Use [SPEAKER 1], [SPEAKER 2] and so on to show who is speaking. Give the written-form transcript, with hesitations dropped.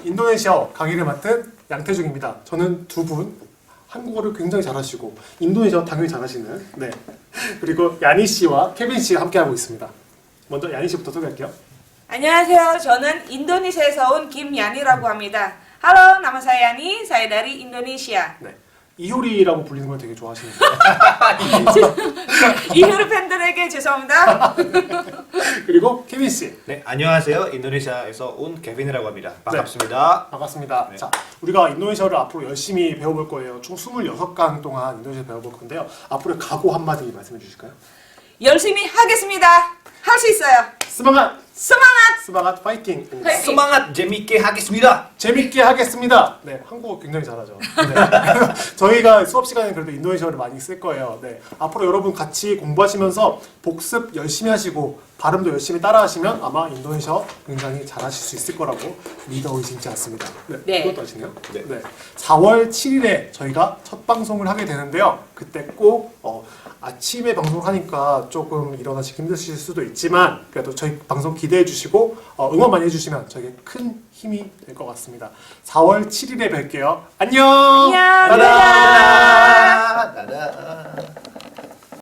[SPEAKER 1] 인도네시아어 강의를 맡은 양태중입니다. 저는 두 분 한국어를 굉장히 잘하시고 인도네시아어 당연히 잘하시는 그리고 야니 씨와 케빈 씨가 함께하고 있습니다. 먼저 야니 씨부터 소개할게요.
[SPEAKER 2] 안녕하세요. 저는 인도네시아에서 온 김야니라고 합니다. Halo, nama saya Yani. Saya dari Indonesia.
[SPEAKER 1] 네. 이효리라고 불리는 걸 되게 좋아하시는데
[SPEAKER 2] 이효리 팬들에게 죄송합니다.
[SPEAKER 1] 그리고 케빈 씨.
[SPEAKER 3] 네, 안녕하세요. 인도네시아에서 온 케빈이라고 합니다. 반갑습니다.
[SPEAKER 1] 반갑습니다.
[SPEAKER 3] 네.
[SPEAKER 1] 자, 우리가 인도네시아를 앞으로 열심히 배워볼 거예요. 총 26강 동안 인도네시아 배워볼 건데요. 앞으로 각오 한마디 말씀해 주실까요?
[SPEAKER 2] 열심히 하겠습니다. 할 수 있어요.
[SPEAKER 1] 스마갓!
[SPEAKER 2] 스마트!
[SPEAKER 1] 스마갓 파이팅!
[SPEAKER 2] 파이팅!
[SPEAKER 3] Semangat 재밌게 하겠습니다.
[SPEAKER 1] 재밌게 하겠습니다. 네, 한국어 굉장히 잘하죠. 네. 저희가 수업 시간에 그래도 인도네시아를 많이 쓸 거예요. 네, 앞으로 여러분 같이 공부하시면서 복습 열심히 하시고 발음도 열심히 따라하시면 아마 인도네시아 굉장히 잘하실 수 있을 거라고 믿어 의심치 않습니다.
[SPEAKER 2] 네.
[SPEAKER 1] 그것도 아시네요?
[SPEAKER 3] 네.
[SPEAKER 1] 4월 7일에 저희가 첫 방송을 하게 되는데요. 그때 꼭 아침에 방송을 하니까 조금 일어나시기 힘드실 수도 있지만 그래도 저희 방송 기대해 주시고 응원 많이 해주시면 저에게 큰 힘이 될 것 같습니다. 4월 7일에 뵐게요. 안녕!
[SPEAKER 2] 안녕!
[SPEAKER 1] 따단!
[SPEAKER 3] 따단.